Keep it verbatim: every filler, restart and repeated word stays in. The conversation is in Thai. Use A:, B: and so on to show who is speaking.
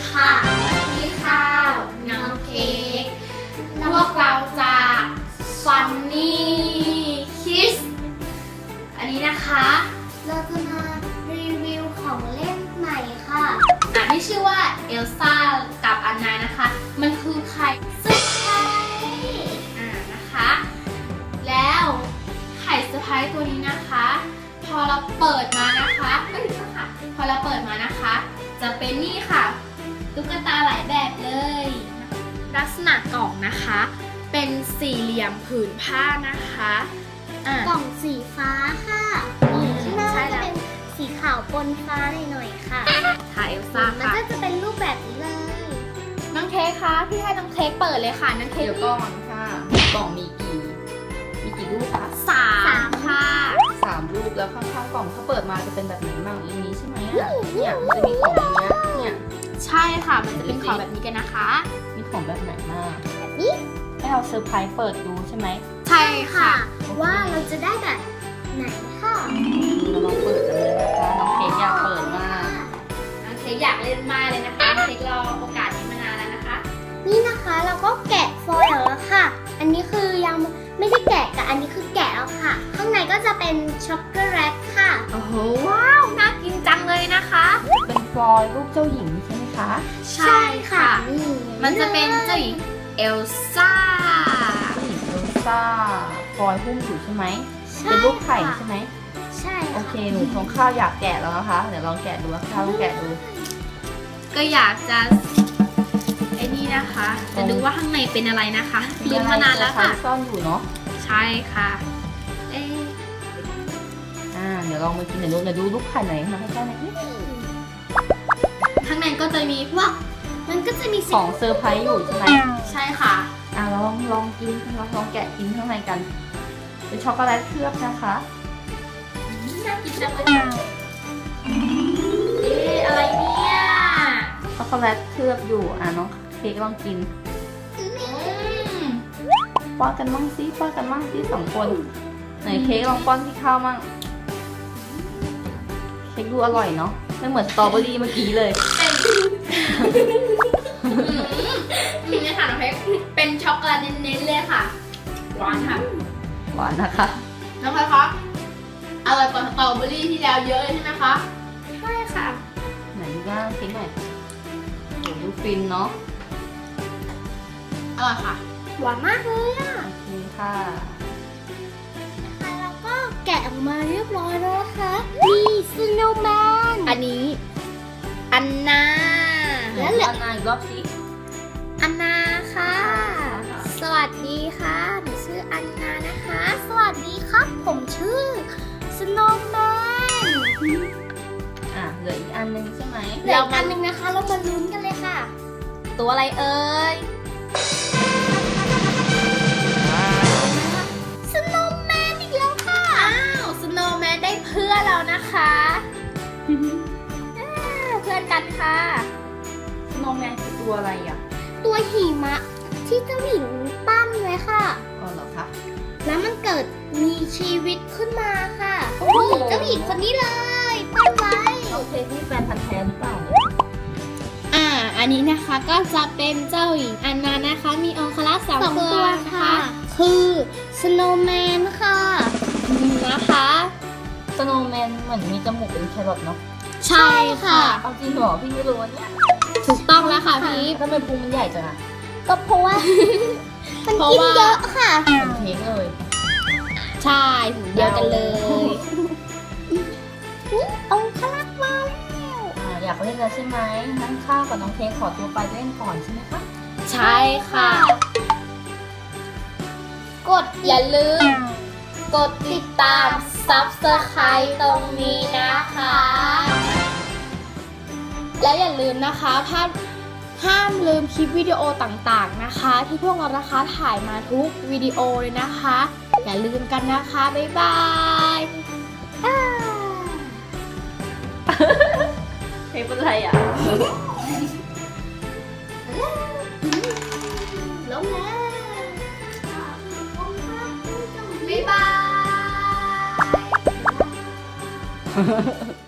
A: ค่ะพี่ข้าวน้องเค้กพวกเราจากฟันนี่คิสอันนี้นะคะ
B: เราจะมารีวิวของเล่นใหม่ค่ะ
A: อ่ะที่ชื่อว่าเอลซ่ากับอันนานะคะมันคือไข่เซอร์ไพรส์อ่านะคะแล้วไข่เซอร์ไพรส์ตัวนี้นะคะพอเราเปิดมานะคะไม่ถึงค่ะพอเราเปิดมานะคะจะเป็นนี่ค่ะตุ๊กตาหลายแบบเลยลักษณะกล่องนะคะเป็นสี่เหลี่ยมผืนผ้านะคะ
B: กล่องสีฟ้าค่ะข้างหน้าจะเป็นสีขาวปนฟ้าหน่อยๆค่ะ
A: ถ่ายเอลซ่าค่ะ
B: มันก็จะเป็นรูปแบบนี้เลย
A: น้องเค้กคะพี่ให้น้องเค้กเปิดเลยค่ะน้องเค้ก
C: เดี๋ยวก่อนค่ะกล่องมีกี่มีกี่รูปคะ
A: สามค่ะ
C: สามรูปแล้วข้างๆกล่องถ้าเปิดมาจะเป็นแบบไหนบ้างอย่างนี้ใช่ไหมเนี่ยมันจะมีของอย่างเงี้ยเนี่ย
A: ใช่ค่ะมันจะเป็นของแบบนี้กันนะคะ
C: มีของแบบไหนมาก
B: แบบนี้
C: ให้เราเซอร์ไพรส์เปิดดูใช่ไหม
A: ใช่ค่ะ
B: ว่าเราจะได้แบบไหนค่ะ
C: เราลองเปิดกันเลยนะคะน้องเค้กอยากเปิดมาก
A: น้องเค้กอยากเล่นมากเลยนะคะเค้กรอโอกาสนี้มานานแล้วนะคะ
B: นี่นะคะเราก็แกะฟอยล์แล้วค่ะอันนี้คือยังไม่ได้แกะแต่อันนี้คือแกะแล้วค่ะข้างในก็จะเป็นช็อกโกแลตค่ะ
A: โอ้โหว้าวน่ากินจังเลยนะคะ
C: เป็นฟอยล์รูปเจ้าหญิงใช่ไหมคะ
A: ใช่ค่ะมันจะเป็นเจ้าหญิงเอลซ่า
C: เจ้าหญิงเอลซ่าฟอยล์หุ้มอยู่ใช่ไหมเป็นรูปไข่ใช่ไหม
B: ใช่
C: โอเคหนูของข้าวอยากแกะแล้วนะคะเดี๋ยวลองแกะดูข้าวลองแกะดู
A: ก็อยากจะไอ้นี่นะคะจะดูว่าข้างในเป็นอะไรนะคะลุ้นมานานแล้วค่ะ
C: ซ่อนอยู่เนาะ
A: ใช่ค่ะเอ๊ะ
C: อ่าเดี๋ยวลองมากินเดี๋ยวดูเดี๋ยวดูลูกไข่ไหนมาให้ข้าวหน่อย
A: ข้างในก็จะมีพวก
B: มันก็จะมี
C: ของเซอร์ไพรส์อยู่ใช่ไหม
A: ใช่ค่ะ
C: อ่าลองลองกินลองลองแกะกินข้างในกันเป็นช็อกโกแลตเคลือบนะคะ
A: น่ากินจังเลยเอ๊ะอะไรเนี่ย
C: ช็อกโกแลตเคลือบอยู่อ่าน้องเค้กลองกินป้อนกันมั่งซิป้อนกันมั่งซิสองคนไหนเค้กลองป้อนที่ข้าวมั่งเค้กดูอร่อยเนาะไม่เหมือนสตรอเบอรี่เมื่อกี้เลย
A: ทีนี้ค่ะน้องเค้กเป็นช็อกโกแลตเน้นๆเลยค่ะหวานค่ะ
C: หวานนะคะ
A: น้องเค้กคะอร่อยกว่าสตรอเบอรี่ที่แล้วเยอะเลยใช่ไหมคะ
B: ใช่ค่ะ
C: ไหนดูบ้างเค้กหน่อยโหดูฟินเนาะ
A: อร่อยค่ะ
B: หวานมากเลยอ่ะ
C: โอเคค่ะ
B: นะคะแล้วก็แกะออกมาเรียบร้อยแล้วนะคะนี่สโนว์แมน
A: อันนี้อันนา
C: แล้วเหลืออันนาอีกรอบสิ
A: อันนาค่ะสวัสดีค่ะหนูชื่ออันนานะคะสวัสดีครับผมชื่อสโนว์แมน
C: อ่ะเหลืออีกอันนึงใช่ไหม
B: เหลืออีกอันนึงนะคะเรามาลุ้นกันเลยค่ะ
A: ตัวอะไรเอ่ย
B: สโนว์แมนอีกแล้วค่ะ
A: อ้าวสโนว์แมนได้เพื่อนแล้วนะคะเพื่อนกันค่ะ
C: สโนว์แมนคือตัวอะไรอ่ะ
B: ตัวหิมะที่เจ้าหญิงปั้นไว้ค่ะ
C: อ๋อเหรอคะ
B: แล้วมันเกิดมีชีวิตขึ้นมาค่ะนี่เจ้าหญิงคนนี้เลยปั้นไว้
C: โอเคที่แฟนพันธุ์แท้หรือเปล่า
A: อ่าอันนี้นะคะก็จะเป็นเจ้าหญิงอันนานะคะมีองครักษ์สองตัวนะคะ
B: คือสโนว์แมนค่ะ
A: นะคะ
C: สโนว์แมนเหมือนมีจมูกเป็นแครอทเนาะ
A: ใช่ค่ะ
C: เอาจริงเหรอพี่ไม่รู้เนี่ย
A: ถูกต้องแล้วค่ะพี่
C: ทำไมพุงมันใหญ่จังอะ
B: ก็เพราะว่ามันกินเยอะค่ะ
C: เค้กเลย
A: ใช่ถึงเดียวกันเลย
B: องคลักษ์มาแล้ว
C: อยากเล่นแล้วใช่ไหมนั่งข้าวกับน้องเค้กขอตัวไปเล่นก่อนใช่ไหมคะ
A: ใช่ค่ะกดอย่าลืมกดติดตามซับสไครต์ตรงนี้นะคะแล้วอย่าลืมนะคะภาพห้ามลืมคลิปวิดีโอต่างๆนะคะที่พวกเรานะคะถ่ายมาทุกวิดีโอเลยนะคะอย่าลืมกันนะคะบ๊ายบาย
C: เฮ้ยเป็นไรอ่ะ
B: ลงแล้ว
A: บ๊ายบาย